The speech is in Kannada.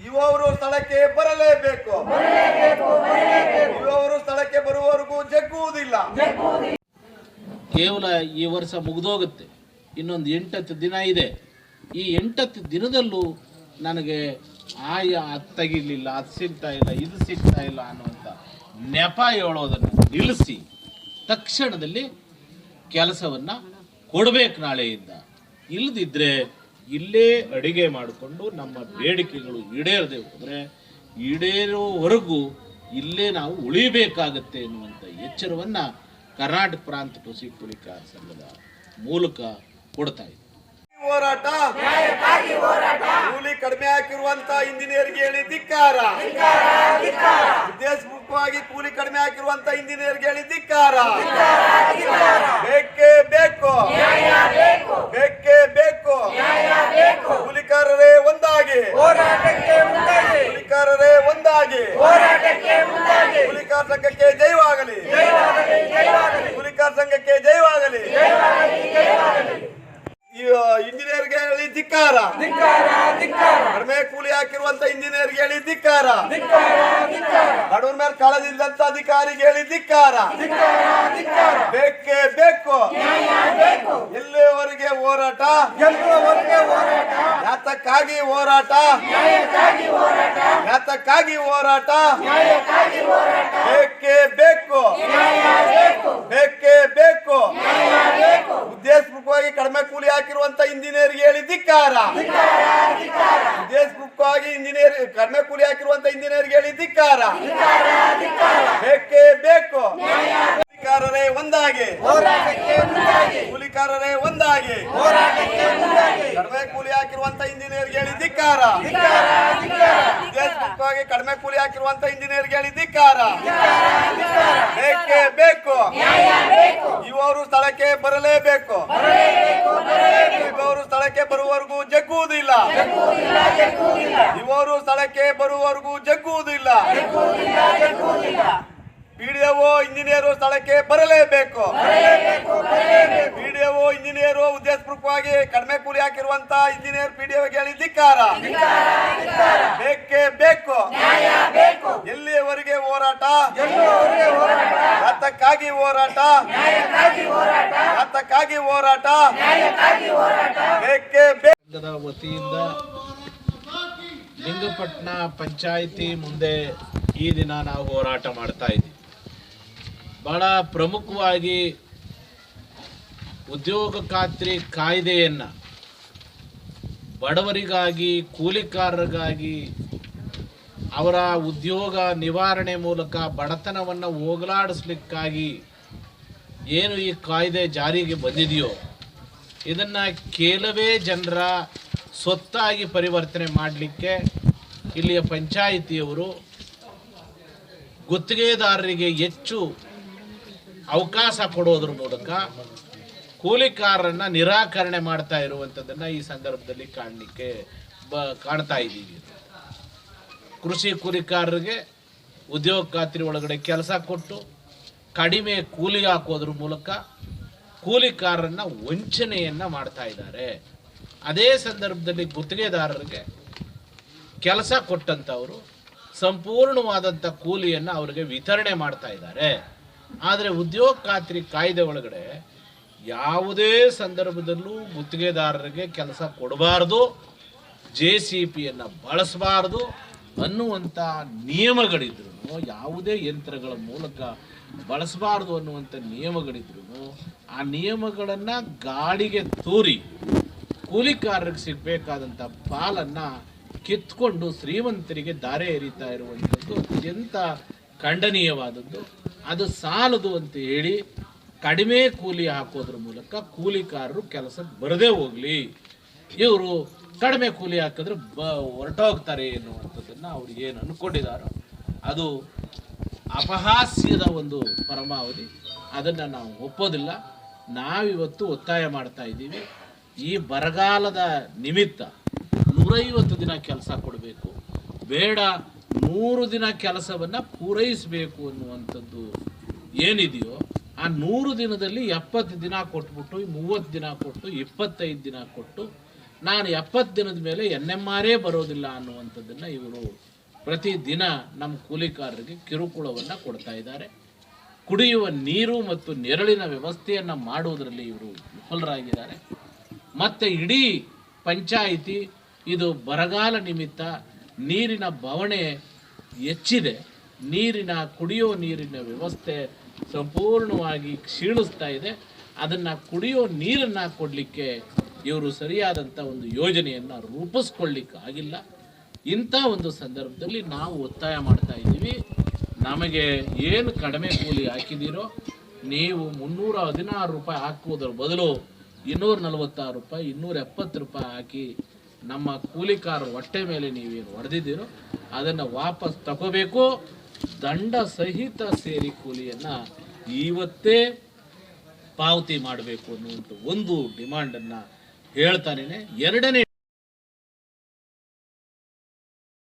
ಇವರು ಸ್ಥಳಕ್ಕೆ ಬರಲೇಬೇಕು. ಇವರು ಸ್ಥಳಕ್ಕೆ ಬರುವವರೆಗೂ ಜಗ್ಗುವುದಿಲ್ಲ. ಕೇವಲ ಈ ವರ್ಷ ಮುಗಿದೋಗುತ್ತೆ, ಇನ್ನೊಂದು 8 ದಿನ ಇದೆ. ಈ 8 ದಿನದಲ್ಲೂ ನನಗೆ ಅದು ತೆಗಿಲಿಲ್ಲ, ಅದು ಸಿಗ್ತಾ ಇಲ್ಲ, ಇದು ಸಿಗ್ತಾ ಇಲ್ಲ ಅನ್ನುವಂಥ ನೆಪ ಹೇಳೋದನ್ನು ನಿಲ್ಲಿಸಿ ತಕ್ಷಣದಲ್ಲಿ ಕೆಲಸವನ್ನು ಕೊಡಬೇಕು ನಾಳೆಯಿಂದ. ಇಲ್ಲದಿದ್ದರೆ ಇಲ್ಲೇ ಅಡಿಗೆ ಮಾಡಿಕೊಂಡು ನಮ್ಮ ಬೇಡಿಕೆಗಳು ಈಡೇರದೆ ಹೋದರೆ ಈಡೇರೋವರೆಗೂ ಇಲ್ಲೇ ನಾವು ಉಳಿಬೇಕಾಗತ್ತೆ ಎನ್ನುವಂಥ ಎಚ್ಚರವನ್ನು ಕರ್ನಾಟಕ ಪ್ರಾಂತ ಕೃಷಿ ಕೂಲಿಕಾರ ಸಂಘದ ಮೂಲಕ ಕೊಡ್ತಾ ಇದೆ. ಹೋರಾಟ, ಕೂಲಿ ಕಡಿಮೆ ಹಾಕಿರುವಂತ ಇಂಜಿನಿಯರ್ಗೆ ಹೇಳಿ ಧಿಕ್ಕಾರ. ಉದ್ದೇಶಪೂರ್ವಕವಾಗಿ ಕೂಲಿ ಕಡಿಮೆ ಹಾಕಿರುವಂತ ಇಂಜಿನಿಯರ್ಗೆ ಹೇಳಿ ಧಿಕ್ಕಾರ. ಬೇಕೇ ಬೇಕು, ಬೇಕೇ ಬೇಕು. ಕೂಲಿಕಾರರೇ ಒಂದಾಗಿ, ಕೂಲಿಕಾರರೇ ಒಂದಾಗಿ. ಕೂಲಿಕಾರ ಸಂಘಕ್ಕೆ ಜಯವಾಗಲಿ, ಕೂಲಿಕಾರ ಸಂಘಕ್ಕೆ ಜಯವಾಗಲಿ. ಇಂಜಿನಿಯರ್ಗೆ ಹೇಳಿ ಧಿಕ್ಕಾರ. ಕಡಿಮೆ ಕೂಲಿ ಹಾಕಿರುವಂತ ಇಂಜಿನಿಯರ್ಗೆ ಹೇಳಿ ಧಿಕ್ಕಾರ. ಬಡವರ ಮೇಲೆ ಕಾಳಜಿಲ್ಲದಂತ ಅಧಿಕಾರಿಗೆ ಹೇಳಿ ಧಿಕ್ಕಾರ. ಬೇಕೇ ಬೇಕು. ಎಲ್ಲಿವರೆಗೆ ಹೋರಾಟ? ಯಾತಕ್ಕಾಗಿ ಹೋರಾಟ? ಯಾತಕ್ಕಾಗಿ ಹೋರಾಟ? ಬೇಕೇ ಬೇಕು, ಬೇಕೇ ಬೇಕು. ಉದ್ದೇಶಪೂರ್ವಕವಾಗಿ ಕಡಿಮೆ ಕೂಲಿ ಹಾಕಿರುವಂತ ಇಂಜಿನಿಯರ್ಗೆ ಹೇಳಿ ಧಿಕ್ಕಾರ. ಉದ್ದೇಶಪೂರ್ವಕವಾಗಿ ಕಡಿಮೆ ಕೂಲಿ ಹಾಕಿರುವಂತ ಇಂಜಿನಿಯರ್ಗೆ ಹೇಳಿ ಧಿಕ್ಕಾರ. ಬೇಕೇ ಬೇಕು. ಕೂಲಿಕಾರರೇ ಒಂದಾಗಿ, ಕೂಲಿಕಾರರೇ ಒಂದಾಗಿ. ಕಡಿಮೆ ಕೂಲಿ ಹಾಕಿರುವಂತ ಇಂಜಿನಿಯರ್ಗೆ ಹೇಳಿ ಧಿಕ್ಕಾರ. ಉದ್ದೇಶಪೂರ್ವಕವಾಗಿ ಕಡಿಮೆ ಕೂಲಿ ಹಾಕಿರುವಂತ ಇಂಜಿನಿಯರ್ಗೆ ಹೇಳಿ ಧಿಕ್ಕಾರ. ಬೇಕೇ ಬೇಕು. ಇವರು ಸ್ಥಳಕ್ಕೆ ಬರಲೇಬೇಕು. ಇವರು ಸ್ಥಳಕ್ಕೆ ಬರುವವರೆಗೂ ಜಗ್ಗುವುದಿಲ್ಲ. ಇವರು ಸ್ಥಳಕ್ಕೆ ಬರುವವರೆಗೂ ಜಗ್ಗುವುದಿಲ್ಲ. ಪಿಡಿಒ ಇಂಜಿನಿಯರು ಸ್ಥಳಕ್ಕೆ ಬರಲೇಬೇಕು. ಪಿಡಿಒ ಇಂಜಿನಿಯರು ಉದ್ದೇಶಪೂರ್ವಕವಾಗಿ ಕಡಿಮೆ ಕೂಲಿ ಹಾಕಿರುವಂತ ಇಂಜಿನಿಯರ್ ಪಿಡಿಒಗೆ ಹೇಳಿ ಧಿಕ್ಕಾರ. ಬೇಕೇ ಬೇಕು. ಎಲ್ಲಿಯವರೆಗೆ ಹೋರಾಟ? ಯಾತಕ್ಕಾಗಿ ಹೋರಾಟ? ಯಾತಕ್ಕಾಗಿ ಹೋರಾಟ? ಬೇಕೇ ಬೇಕು. ವತಿಯಿಂದ ಲಿಂಗಪಟ್ಟಣ ಪಂಚಾಯಿತಿ ಮುಂದೆ ಈ ದಿನ ನಾವು ಹೋರಾಟ ಮಾಡ್ತಾ ಇದ್ದೀವಿ. ಬಹಳ ಪ್ರಮುಖವಾಗಿ ಉದ್ಯೋಗ ಖಾತ್ರಿ ಕಾಯ್ದೆಯನ್ನು ಬಡವರಿಗಾಗಿ, ಕೂಲಿಕಾರರಿಗಾಗಿ, ಅವರ ಉದ್ಯೋಗ ನಿವಾರಣೆ ಮೂಲಕ ಬಡತನವನ್ನು ಹೋಗಲಾಡಿಸ್ಲಿಕ್ಕಾಗಿ ಏನು ಈ ಕಾಯ್ದೆ ಜಾರಿಗೆ ಬಂದಿದೆಯೋ ಇದನ್ನು ಕೆಲವೇ ಜನರ ಸ್ವತ್ತಾಗಿ ಪರಿವರ್ತನೆ ಮಾಡಲಿಕ್ಕೆ ಇಲ್ಲಿಯ ಪಂಚಾಯಿತಿಯವರು ಗುತ್ತಿಗೆದಾರರಿಗೆ ಹೆಚ್ಚು ಅವಕಾಶ ಕೊಡೋದ್ರ ಮೂಲಕ ಕೂಲಿಕಾರರನ್ನ ನಿರಾಕರಣೆ ಮಾಡ್ತಾ ಇರುವಂಥದ್ದನ್ನು ಈ ಸಂದರ್ಭದಲ್ಲಿ ಕಾಣ್ತಾ ಇದ್ದೀವಿ. ಕೃಷಿ ಕೂಲಿಕಾರರಿಗೆ ಉದ್ಯೋಗ ಖಾತ್ರಿ ಒಳಗಡೆ ಕೆಲಸ ಕೊಟ್ಟು ಕಡಿಮೆ ಕೂಲಿ ಹಾಕೋದ್ರ ಮೂಲಕ ಕೂಲಿಕಾರರನ್ನ ವಂಚನೆಯನ್ನು ಮಾಡ್ತಾ ಇದ್ದಾರೆ. ಅದೇ ಸಂದರ್ಭದಲ್ಲಿ ಗುತ್ತಿಗೆದಾರರಿಗೆ ಕೆಲಸ ಕೊಟ್ಟಂಥವರು ಸಂಪೂರ್ಣವಾದಂಥ ಕೂಲಿಯನ್ನು ಅವರಿಗೆ ವಿತರಣೆ ಮಾಡ್ತಾ ಇದ್ದಾರೆ. ಆದರೆ ಉದ್ಯೋಗ ಖಾತ್ರಿ ಕಾಯ್ದೆ ಒಳಗಡೆ ಯಾವುದೇ ಸಂದರ್ಭದಲ್ಲೂ ಗುತ್ತಿಗೆದಾರರಿಗೆ ಕೆಲಸ ಕೊಡಬಾರ್ದು, JCPಯನ್ನು ಬಳಸಬಾರ್ದು ಅನ್ನುವಂಥ ನಿಯಮಗಳಿದ್ರು, ಯಾವುದೇ ಯಂತ್ರಗಳ ಮೂಲಕ ಬಳಸಬಾರ್ದು ಅನ್ನುವಂಥ ನಿಯಮಗಳಿದ್ರು ಆ ನಿಯಮಗಳನ್ನು ಗಾಳಿಗೆ ತೂರಿ ಕೂಲಿಕಾರರಿಗೆ ಸಿಗಬೇಕಾದಂಥ ಪಾಲನ್ನು ಕಿತ್ಕೊಂಡು ಶ್ರೀಮಂತರಿಗೆ ದಾರೆ ಎರಿತಾ ಇರುವಂಥದ್ದು ಅತ್ಯಂತ ಖಂಡನೀಯವಾದದ್ದು. ಅದು ಸಾಲದು ಅಂತ ಹೇಳಿ ಕಡಿಮೆ ಕೂಲಿ ಹಾಕೋದ್ರ ಮೂಲಕ ಕೂಲಿಕಾರರು ಕೆಲಸಕ್ಕೆ ಬರದೇ ಹೋಗಲಿ, ಇವರು ಕಡಿಮೆ ಕೂಲಿ ಹಾಕಿದ್ರೆ ಹೊರಟೋಗ್ತಾರೆ ಎನ್ನುವಂಥದ್ದನ್ನು ಅವ್ರು ಏನು ಅಂದ್ಕೊಂಡಿದ್ದಾರೋ ಅದು ಅಪಹಾಸ್ಯದ ಒಂದು ಪರಮಾವಧಿ. ಅದನ್ನು ನಾವು ಒಪ್ಪೋದಿಲ್ಲ. ನಾವಿವತ್ತು ಒತ್ತಾಯ ಮಾಡ್ತಾ ಇದ್ದೀವಿ, ಈ ಬರಗಾಲದ ನಿಮಿತ್ತ 150 ದಿನ ಕೆಲಸ ಕೊಡಬೇಕು, ಬೇಡ 100 ದಿನ ಕೆಲಸವನ್ನು ಪೂರೈಸಬೇಕು ಅನ್ನುವಂಥದ್ದು ಏನಿದೆಯೋ ಆ 100 ದಿನದಲ್ಲಿ 70 ದಿನ ಕೊಟ್ಬಿಟ್ಟು 30 ದಿನ ಕೊಟ್ಟು 25 ದಿನ ಕೊಟ್ಟು ನಾನು 70 ದಿನದ ಮೇಲೆ NMR ಬರೋದಿಲ್ಲ ಅನ್ನುವಂಥದ್ದನ್ನು ಇವರು ಪ್ರತಿದಿನ ನಮ್ಮ ಕೂಲಿಕಾರರಿಗೆ ಕಿರುಕುಳವನ್ನು ಕೊಡ್ತಾ ಇದ್ದಾರೆ. ಕುಡಿಯುವ ನೀರು ಮತ್ತು ನೆರಳಿನ ವ್ಯವಸ್ಥೆಯನ್ನು ಮಾಡುವುದರಲ್ಲಿ ಇವರು ವಿಫಲರಾಗಿದ್ದಾರೆ. ಮತ್ತು ಇಡೀ ಪಂಚಾಯಿತಿ ಇದು ಬರಗಾಲ ನಿಮಿತ್ತ ನೀರಿನ ಬವಣೆ ಹೆಚ್ಚಿದೆ. ಕುಡಿಯುವ ನೀರಿನ ವ್ಯವಸ್ಥೆ ಸಂಪೂರ್ಣವಾಗಿ ಕ್ಷೀಣಿಸ್ತಾ ಇದೆ. ಅದನ್ನು ಕುಡಿಯೋ ನೀರನ್ನು ಕೊಡಲಿಕ್ಕೆ ಇವರು ಸರಿಯಾದಂಥ ಒಂದು ಯೋಜನೆಯನ್ನು ರೂಪಿಸ್ಕೊಳ್ಳಿಕ್ಕೆ ಆಗಿಲ್ಲ. ಇಂಥ ಒಂದು ಸಂದರ್ಭದಲ್ಲಿ ನಾವು ಒತ್ತಾಯ ಮಾಡ್ತಾ ಇದ್ದೀವಿ, ನಮಗೆ ಏನು ಕಡಿಮೆ ಕೂಲಿ ಹಾಕಿದ್ದೀರೋ ನೀವು 316 ರೂಪಾಯಿ ಹಾಕುವುದರ ಬದಲು 246 ರೂಪಾಯಿ 270 ರೂಪಾಯಿ ಹಾಕಿ ನಮ್ಮ ಕೂಲಿಕಾರರ ಹೊಟ್ಟೆ ಮೇಲೆ ನೀವೇನು ಹೊಡೆದಿದ್ದೀರೋ ಅದನ್ನು ವಾಪಸ್ ತಗೋಬೇಕು. ದಂಡ ಸಹಿತ ಸೇರಿ ಕೂಲಿಯನ್ನು ಇವತ್ತೇ ಪಾವತಿ ಮಾಡಬೇಕು ಅನ್ನುವಂಥ ಒಂದು ಡಿಮಾಂಡನ್ನು ಹೇಳ್ತಾನೆ. ಎರಡನೇ